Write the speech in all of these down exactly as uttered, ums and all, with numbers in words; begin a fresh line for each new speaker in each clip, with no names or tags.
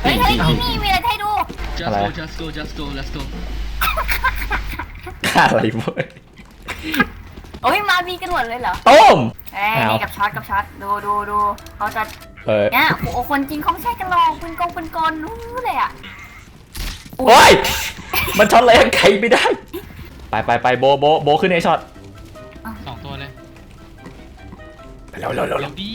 ฮ้ยเฮ้ยนี่นี่มีอะไรให้ดู
just go just go just go let's go
อะไรเว้ย
โอ้ยมาบีกันหมดเลยเหรอ
ต้ม
เอ้ยนี่กับช็อตกับช็อตดูดูดูเขาจะ
เออ
เนี่ยโอ้คนจริงเขาไม่ใช่กันหรอกเป็นกองเป็นกลรู้เลยอ่ะ
โอ้ยมันช็อตอะไรใครไม่ได้ไปไปไปโบโบโบขึ้นไอช็อต
สองตัวเลย
ไปเร็วเร็วเร็ว
เร็วดี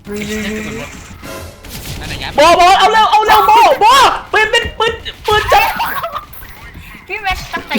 นั่นแหละยัด
โบโบเอาเร็วเอาเร็วโบโบปืนเป็นปืนปืนจับ
พี่แม็กตั้งใจ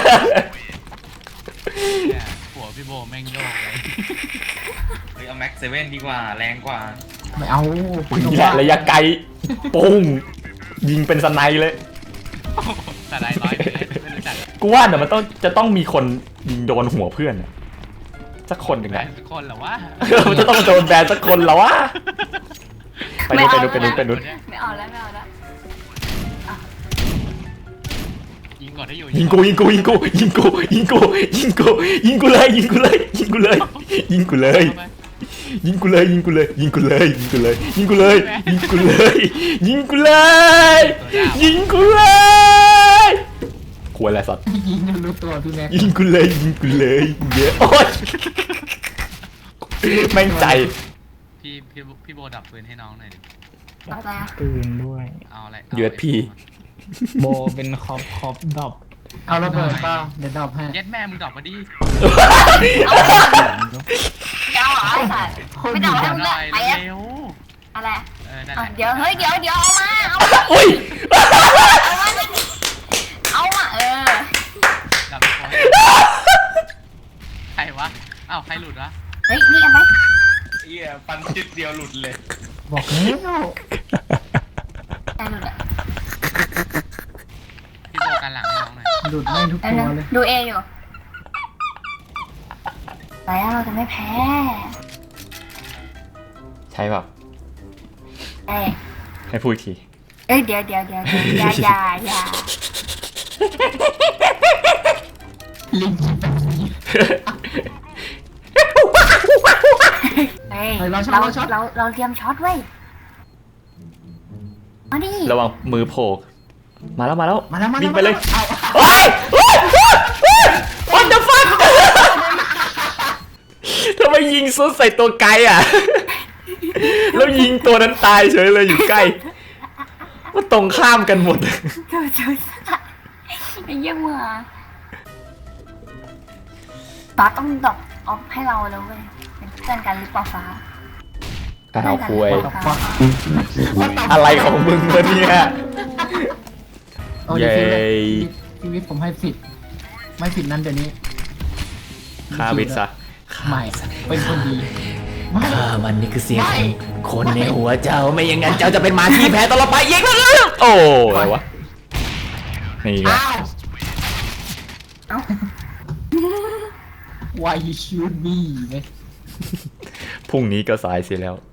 หัวพี่โบแม่งโยกเลย
เฮ้ยเอาแม็กเซเว่นดีกว่าแรงกว่า
ไม่เอา
นี่แหละระยะไกลปุ้งยิงเป็นสไนเลย
แต่ได้ร้อยเลยไม่รู้จัก
กูว่าเดี๋ยวมันต้องจะต้องมีคนยิงโดนหัวเพื่อนน่ะสักคนหนึ่ง
แบ
นะ
นคนเหรอวะ
มันจะต้องโดนแบนสักคนแล้ววะไปนู้นไปนู้นไปนู้นไปนู้น
ไม่เอาแล้วไม่เอาแล้ว
ยิงก่อนได้อยู่
ยิงกูยิงกูยิงกูยิงกูยิงกูยิงกูยิงกูเลยยิงกูเลยยิงกูเลยยิงกูเลยยิงกูเลยยิงกูเลยยิงกูเลยยิงกูเลยยิงกูเลยยิงกูเลยยิงกูเลยยิงกูเลยควรอะไรสัตว์
ยิงจนรู้ตัวพี่แม็ก
ยิงกูเลยยิงกูเลยเยอะโอ๊ยแม่งใจ
พี่พี่พี่โบดับปืนให้น้องหน่อยดิ
เอาแล้ว
ปืนด้วย
เอาอะไร
เยือดพี่
โบเป็นคอปคอปดอบ
เอาระเบิดเปล่าเดี๋ยวดรอปให้
เย็ดแม่มึงดับมาดิ
เอาเหรอไอ้สัตว์ไม่เอาแล้ว
ห
เล
น่อย
ยไปอะ
เร็ว
อะไร
เออนั่นแห
อ่ะ
ละ
เดี๋ยวเฮ้ยเดี๋ยวเดี๋ยวเอามาเอามา
อุ้ย
เอามาเอามาเออ
ดับไปคนใครวะอ้าวใครหลุดวะ
เฮ้ยนี่เอาไหม
เหี้ยฟันจุดเดียวหลุดเลย
บอกแล้ว
ได้ดูเลย
พี่โบกันหลังให้น้องหน่อย
หลุดไม่ทุก
ได้
ตัว
เล
เลย ย
ดูเออยู่แล้วเราจะไม่แพ้
ใช่เปล่า
เอ้ย
ให้พูดอีกที
เอ้ยเดี๋ยวเดี๋ยวเดี๋ยวอย่าอย่าอย่า
ลิงแบบนี้
เฮ้ย
เฮ้ย
เรา
เราช็อตเราช็อต
เราเราเตรียมช็อตไว้มาดิ
ระวังมือโผล่มาแล้วมาแล้ว
มาแล้วมาแล้ว
วิ่งไปเลย
เอา
โอ้ยโอ้ยโอ้ย what the fuck ทำไมยิงซุดใส่ตัวไกลอ่ะ แล้วยิงตัวนั้นตายเฉยเลยอยู่ใกล้ว่าตรงข้ามกันหมด
เจอเจอไอ้เยี่ยมว่ะฟ้าต้องดอกออฟให้เราแล้วเว้ยเป็นเพื่อนกันหรือเปล่าฟ้า
อ้าวคุย
ตบฟัก
อะไรของมึงวะเนี่ย
โอ้ย
เย้
ชีวิตผมให้สิทธิ์ไม่สิทธิ์นั้นเดี๋ยวนี้
ฆ่าวิทซะ
ไม่เป็นคนดีไม่
ฆ่ามันนี่คือเสียงของคนในหัวเจ้าไม่อย่างนั้นเจ้าจะเป็นหมาที่แพ้ตลอดไปยิงมันเลยโอ้อะไรวะนี่ไง
อ้าว
เอ้า
Why you shoot me ไหม
พรุ่งนี้ก็สายเสียแล้ว